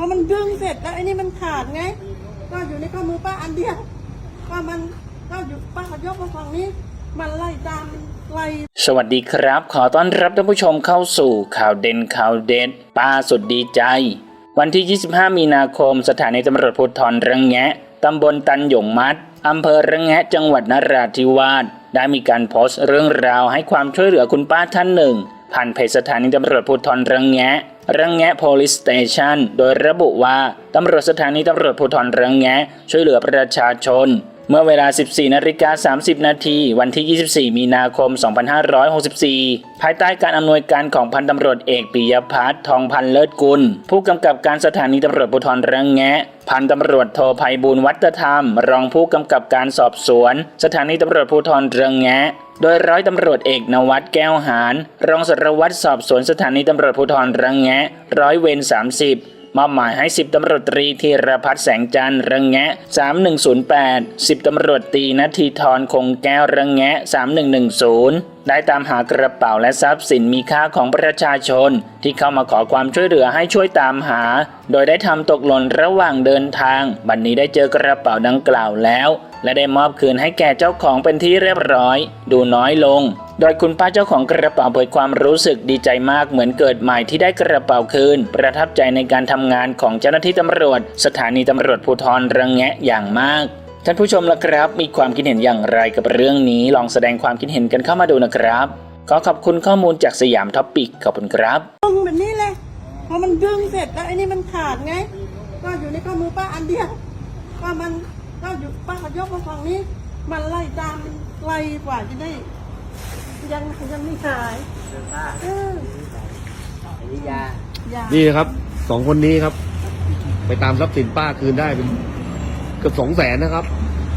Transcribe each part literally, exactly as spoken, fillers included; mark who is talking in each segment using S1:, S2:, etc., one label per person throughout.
S1: อมันดึงเสร็จแล้วไอ้นี่มันขาดไงก็อยู่ในข้อมือป้าอันเดียวก็มันก็อยู่ป้าก็ยกมาฝั่งนี้มันไล่ตามไล่
S2: สวัสดีครับขอต้อนรับท่านผู้ชมเข้าสู่ข่าวเด่นข่าวเด็ดป้าสุดดีใจวันที่ยี่สิบห้ามีนาคมสถานีตำรวจภูธรระแงะตำบลตันหยงมัดอำเภอระแงะจังหวัดนราธิวาสได้มีการโพสต์เรื่องราวให้ความช่วยเหลือคุณป้าท่านหนึ่งผ่านเพจสถานีตำรวจภูธรระแงะระแงะ Police Station โดยระบุว่าตำรวจสถานีตำรวจภูธรระแงะช่วยเหลือประชาชนเมื่อเวลา สิบสี่นาฬิกาสามสิบนาทีวันที่ ยี่สิบสี่มีนาคมสองพันห้าร้อยหกสิบสี่ภายใต้การอำนวยการของพันตำรวจเอกปิยพัฒน์ทองพันเลิศกุลผู้กำกับการสถานีตำรวจภูธรระแงะพันตำรวจโทไพบูลย์วัฒธรรมรองผู้กำกับการสอบสวนสถานีตำรวจภูธรระแงะโดยร้อยตำรวจเอกนวัฒน์แก้วหานรองสารวัตรสอบสวนสถานีตำรวจภูธรระแงะร้อยเวรสามสิบมอบหมายให้สิบตำรวจตรีธีรพัฒน์แสงจันทร์ระแงะสามหนึ่งศูนย์แปด สิบตำรวจตรีณทีธรคงแก้วระแงะสามหนึ่งหนึ่งศูนย์ได้ตามหากระเป๋าและทรัพย์สินมีค่าของประชาชนที่เข้ามาขอความช่วยเหลือให้ช่วยตามหาโดยได้ทำตกหล่นระหว่างเดินทางบัดนี้ได้เจอกระเป๋าดังกล่าวแล้วและได้มอบคืนให้แก่เจ้าของเป็นที่เรียบร้อยดูน้อยลงโดยคุณป้าเจ้าของกระเป๋าเผยความรู้สึกดีใจมากเหมือนเกิดใหม่ที่ได้กระเป๋าคืนประทับใจในการทำงานของเจ้าหน้าที่ตำรวจสถานีตำรวจภูธรระแงะอย่างมากท่านผู้ชมล่ะครับมีความคิดเห็นอย่างไรกับเรื่องนี้ลองแสดงความคิดเห็นกันเข้ามาดูนะครับขอขอบคุณข้อมูลจากสยามท็อปปิกขอบคุณครับ
S1: ดึงแบบนี้เลยพอมันดึงเสร็จแล้วไอ้นี่มันขาดไงก็อยู่ในข้อมือป้าอันเดียวก็มันก็อยู่ป้าก็ยกมาฝั่งนี้มันไล่ตามไล่กว่าจะได้ยังยังไม่หายเออนี่ยา
S3: นี่นะครับสองคนนี้ครับ ไปตามทรัพย์สินป้าคืนได้เป็นเกือบสองแสนนะครับ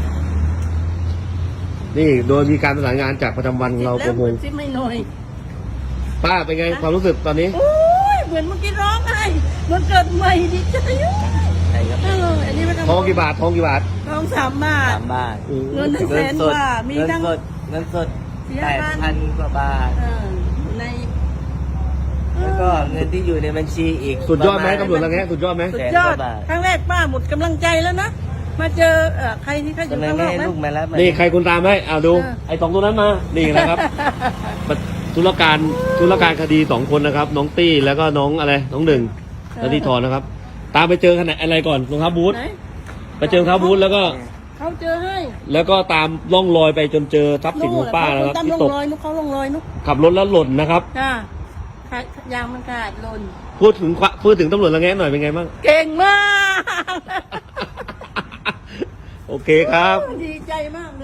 S3: นี่โดยมีการประสานงานจากประจำวันของเราประมง
S1: ไม่หน่อย
S3: ป้าเป็นไงความรู้สึกตอนนี้
S1: โอ้ยเหมือนเมื่อกี้ร้องไห้เหมือนเกิดใหม่ดีใจใช่ครับอันนี้ท
S3: องกี่บาททองกี่บาท
S1: ทองสามบาท
S4: สามบาท
S1: เงินทั้งแสนกว่ามีทั้ง
S4: เงินสดแปดพันกว่าบาท
S1: ใน
S4: แล้วก็เงินที่อยู่ในบัญชีอีก
S3: สุดยอดไหมตำรวจระแงะสุดยอดไหม
S1: สุดยอดครั้งแรกป้าหมดกำลังใจแล้วนะมาเจอใครที่เขาอยู่ข้างนอกนะ
S3: นี่ใครคุณตามไหมเอาดูไอ้สองตัวนั้นมานี่นะครับธุรการธุรการคดีสองคนนะครับน้องตี้แล้วก็น้องอะไรน้องหนึ่งแล้วที่ทอนนะครับตามไปเจอขนาดอะไรก่อนรองเท้าบูทไปเจอรองเท้าบูทแล้วก็
S1: เขาเจอให้
S3: แล้วก็ตามล่องรอยไปจนเจอทรัพย์สินของป้านะครับ
S1: ที่ตกนุกเขาลงรอยนุก
S3: ขับรถแล้วหล่นนะครับ
S1: ค่ะยางมันขาดหล่น
S3: พูดถึงพูดถึงตำรวจระแงะหน่อยเป็นไงบ้าง
S1: เก่งมาก
S3: โอเคครับ
S1: ดีใจมาก